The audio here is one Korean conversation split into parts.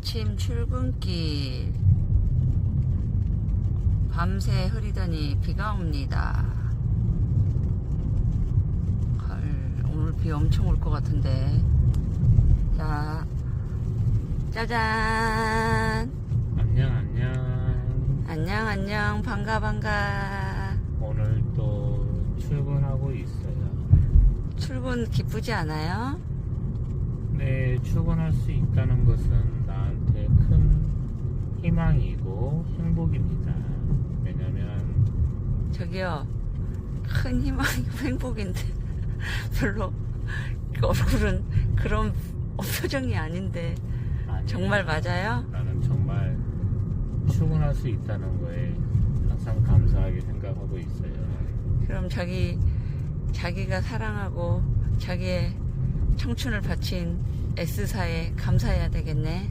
아침 출근길. 밤새 흐리더니 비가 옵니다. 헐, 오늘 비 엄청 올 것 같은데. 자, 짜잔. 안녕. 반가. 오늘 또 출근하고 있어요. 출근 기쁘지 않아요? 네, 출근할 수 있다는 것은 나한테 큰 희망이고 행복입니다. 왜냐면 저기요, 큰 희망이고 행복인데 별로 얼굴은 그런 표정이 아닌데. 아니, 정말 맞아요? 나는 정말 출근할 수 있다는 거에 항상 감사하게 생각하고 있어요. 그럼 자기가 사랑하고 자기의 청춘을 바친 S사에 감사해야 되겠네.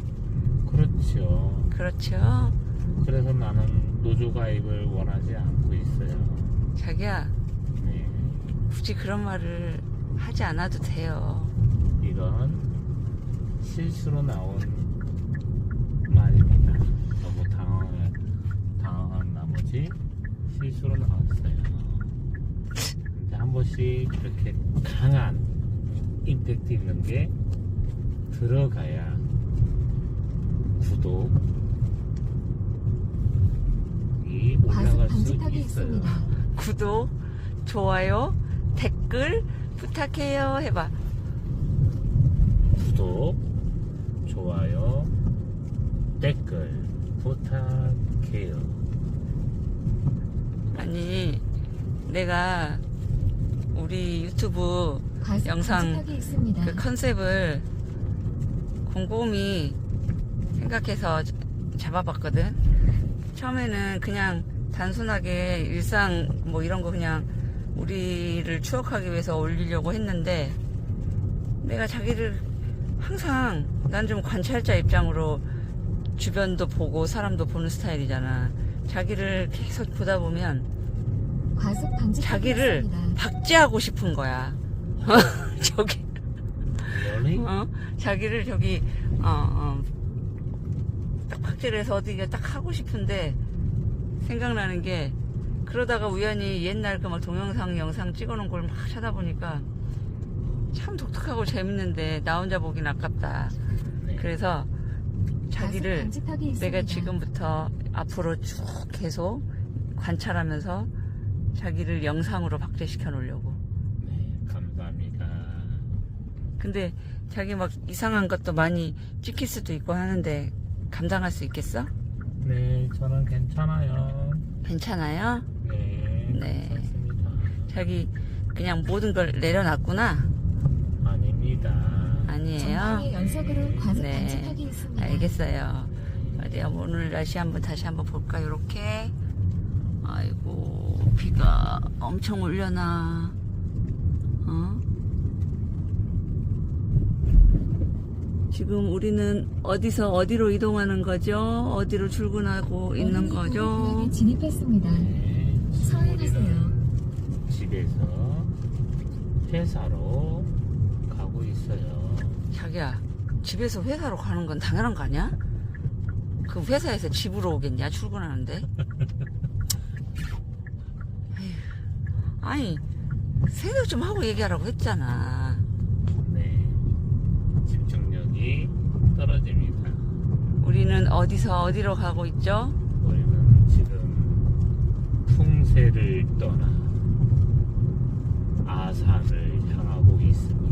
그렇죠. 그래서 나는 노조 가입을 원하지 않고 있어요. 자기야, 네, 굳이 그런 말을 하지 않아도 돼요. 이건 실수로 나온 말입니다. 너무 당황한 나머지 실수로 나왔어요. 근데 한 번씩 이렇게 강한 임팩트 있는 게 들어가야 구독이 올라갈 수 있어요. 구독, 좋아요, 댓글 부탁해요 해봐. 구독, 좋아요, 댓글 부탁해요. 아니, 내가 우리 유튜브 영상 그 컨셉을 곰곰이 생각해서 잡아봤거든. 처음에는 그냥 단순하게 일상 뭐 이런 거 그냥 우리를 추억하기 위해서 올리려고 했는데, 내가 자기를 항상 난 좀 관찰자 입장으로 주변도 보고 사람도 보는 스타일이잖아. 자기를 계속 보다 보면 자기를 박제하고 싶은 거야. 저기 자기를 저기 딱 박제를 해서 어디가 딱 하고 싶은데, 생각나는 게, 그러다가 우연히 옛날 그 막 동영상 영상 찍어놓은 걸 막 찾아보니까 참 독특하고 재밌는데 나 혼자 보긴 아깝다. 그래서 자기를 내가 지금부터 앞으로 쭉 계속 관찰하면서 자기를 영상으로 박제시켜 놓으려고. 네, 감사합니다. 근데 자기 막 이상한 것도 많이 찍힐 수도 있고 하는데 감당할 수 있겠어? 네, 저는 괜찮아요. 괜찮아요? 네, 괜찮습니다. 자기 그냥 모든 걸 내려놨구나? 아닙니다. 아니에요? 연속으로 과속 네, 단속하기 있습니다. 알겠어요. 어디야, 오늘 날씨 다시 한번 볼까? 요렇게. 아이고, 비가 엄청 올려나. 지금 우리는 어디서 어디로 이동하는 거죠? 어디로 출근하고 있는 거죠? 구역에 진입했습니다. 네, 서행하세요. 우리는 집에서 회사로 가고 있어요. 자기야, 집에서 회사로 가는 건 당연한 거 아니야? 그 회사에서 집으로 오겠냐, 출근하는데? 에휴, 아니, 생각 좀 하고 얘기하라고 했잖아. 네, 집중력이 떨어집니다. 우리는 어디서 어디로 가고 있죠? 우리는 지금 풍세를 떠나 아산을 향하고 있습니다.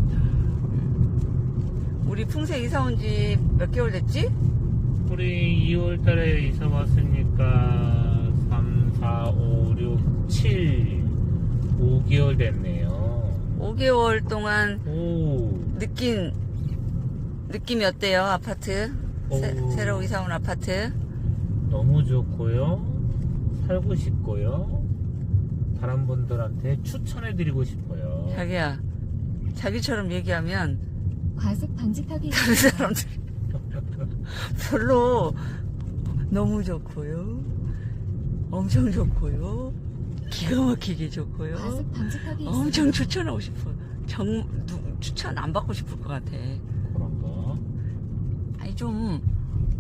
우리 풍세 이사 온 지 몇 개월 됐지? 우리 2월 달에 이사 왔으니까 3, 4, 5, 6, 7, 5개월 됐네요. 5개월 동안 오, 느낌이 어때요, 아파트? 새로 이사 온 아파트? 너무 좋고요. 살고 싶고요. 다른 분들한테 추천해드리고 싶어요. 자기야, 자기처럼 얘기하면 과속 방지턱이 다른 있습니다. 사람들이 별로 너무 좋고요, 엄청 좋고요, 기가 막히게 좋고요, 과속 방지턱이 엄청 있습니다. 추천하고 싶어요. 추천 안 받고 싶을 것 같아. 그런 거. 아니 좀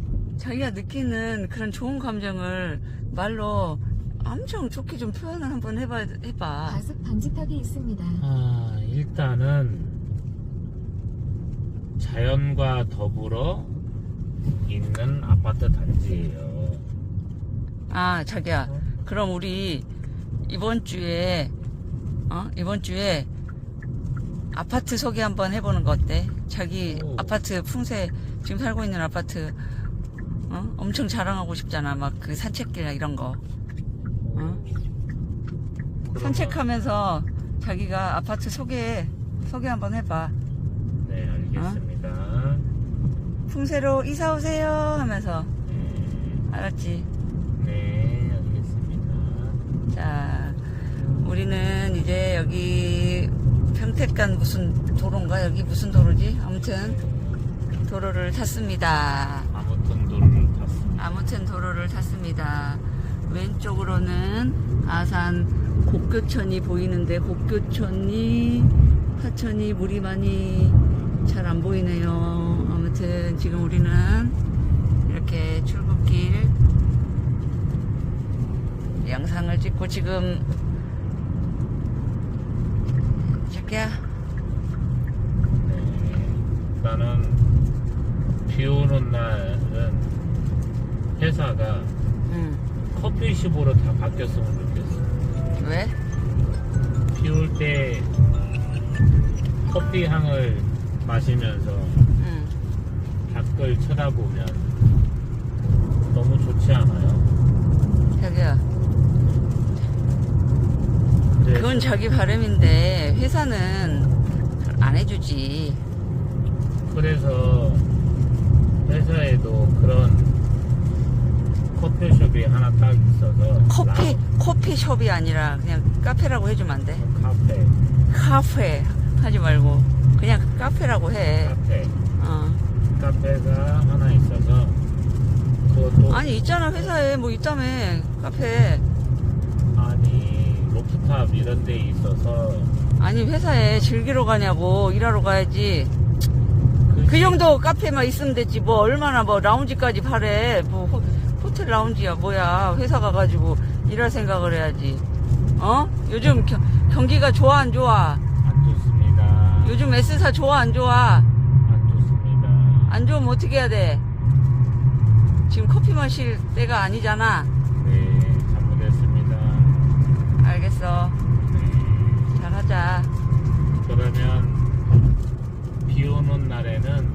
자기가 느끼는 그런 좋은 감정을 말로 엄청 좋게 좀 표현을 한번 해봐. 과속 방지턱이 있습니다. 일단은 자연과 더불어 있는 아파트 단지예요. 자기야, 그럼 우리 이번 주에 아파트 소개 한번 해보는 거 어때? 자기 오. 아파트 풍세, 지금 살고 있는 아파트 엄청 자랑하고 싶잖아. 막 그 산책길 이런 거 그러면- 산책하면서 자기가 아파트 소개 한번 해봐. 네, 알겠습니다. 풍세로 이사 오세요 하면서. 알았지? 네, 알겠습니다. 자, 우리는 이제 여기 평택간 무슨 도로인가? 여기 무슨 도로지? 아무튼 도로를 탔습니다. 아무튼 도로를 탔습니다. 왼쪽으로는 아산 곡교천이 보이는데 곡교천이 하천이 물이 많이 잘 안 보이네요. 아무튼 지금 우리는 이렇게 출근길 영상을 찍고 지금 자기야 나는 비 오는 날은 회사가 커피숍으로 다 바뀌었으면 좋겠어. 왜? 비 올 때 커피 향을 마시면서 밖을 쳐다보면 너무 좋지 않아요? 자기야 네. 그건 자기 바람인데 회사는 안 해주지. 그래서 회사에도 그런 커피숍이 하나 딱 있어서 커피숍이 아니라 그냥 카페라고 해주면 안 돼? 카페 하지 말고 그냥 카페라고 해. 카페가 하나 있어서 그것도 아니 있잖아 회사에 뭐 있다며 카페. 아니 로프탑 이런 데 있어서 아니 회사에 즐기러 가냐고 일하러 가야지. 그 정도 카페만 있으면 됐지 뭐 얼마나 뭐 라운지까지 바래. 뭐 호텔 라운지야 뭐야. 회사 가가지고 일할 생각을 해야지. 요즘 경기가 좋아 안 좋아? 안 좋습니다. 요즘 S사 좋아 안 좋아? 안 좋습니다. 안 좋으면 어떻게 해야 돼? 지금 커피 마실 때가 아니잖아. 네, 잘못했습니다. 알겠어. 네. 잘하자. 그러면 비 오는 날에는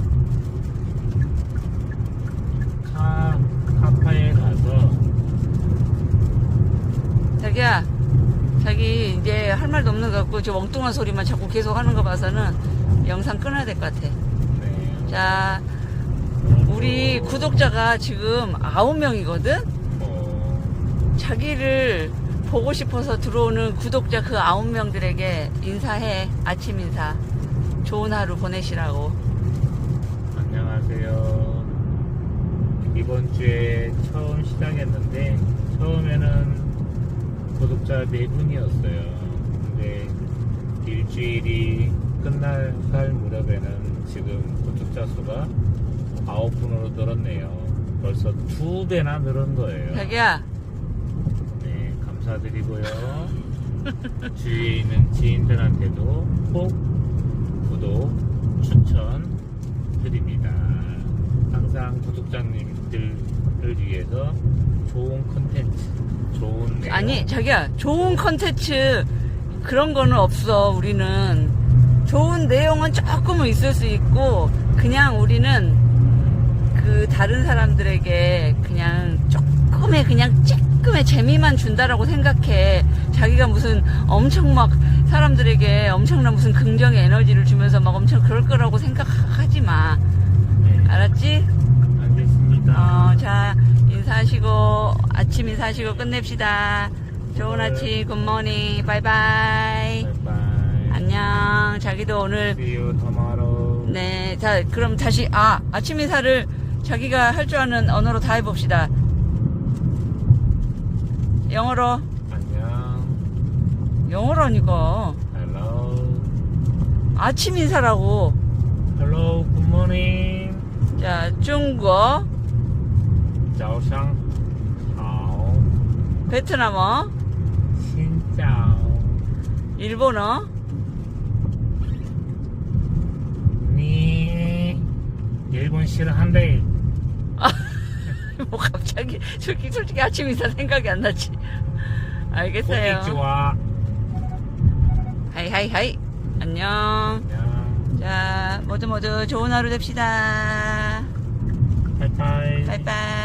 카페에 가서 자기야, 자기 이제 할 말도 없는 것 같고 저 엉뚱한 소리만 자꾸 계속 하는 거 봐서는 영상 끊어야 될 것 같아. 네. 자, 우리 구독자가 지금 9명이거든? 자기를 보고 싶어서 들어오는 구독자 그 9명들에게 인사해. 아침 인사. 좋은 하루 보내시라고. 안녕하세요. 이번 주에 처음 시작했는데 처음에는 구독자 4분이었어요. 근데 일주일이 끝날 무렵에는 지금 구독자 수가 9분으로 늘었네요. 벌써 2배나 늘은 거예요. 자기야, 네, 감사드리고요. 주위에 있는 지인들한테도 꼭 구독, 추천 드립니다. 항상 구독자님들을 위해서 좋은 컨텐츠, 좋은 내용. 아니 자기야, 좋은 컨텐츠 그런 거는 없어. 우리는 좋은 내용은 조금은 있을 수 있고 그냥 우리는 그 다른 사람들에게 그냥 조금의 그냥 쬐끔의 재미만 준다라고 생각해. 자기가 무슨 엄청 막 사람들에게 엄청난 무슨 긍정의 에너지를 주면서 막 엄청 그럴 거라고 생각하지 마. 네, 알았지? 알겠습니다. 자, 인사하시고 아침 인사하시고 끝냅시다. 좋은 아침, 굿모닝, 바이바이. 바이바이. 안녕. 자기도 오늘 See you tomorrow. 네, 자 그럼 다시 아침 인사를 자기가 할 줄 아는 언어로 다 해봅시다. 영어로. 안녕. 영어라니까. Hello. 아침 인사라고. Hello. Good morning. 자, 중국 早上好 베트남어, 신짜오 일본어, 니 일본 싫어한대 뭐 갑자기 솔직히 아침 인사 생각이 안 나지. 알겠어요. 고기좋아 하이 안녕. 안녕 자 모두 좋은 하루 됩시다. 바이바이 바이바이.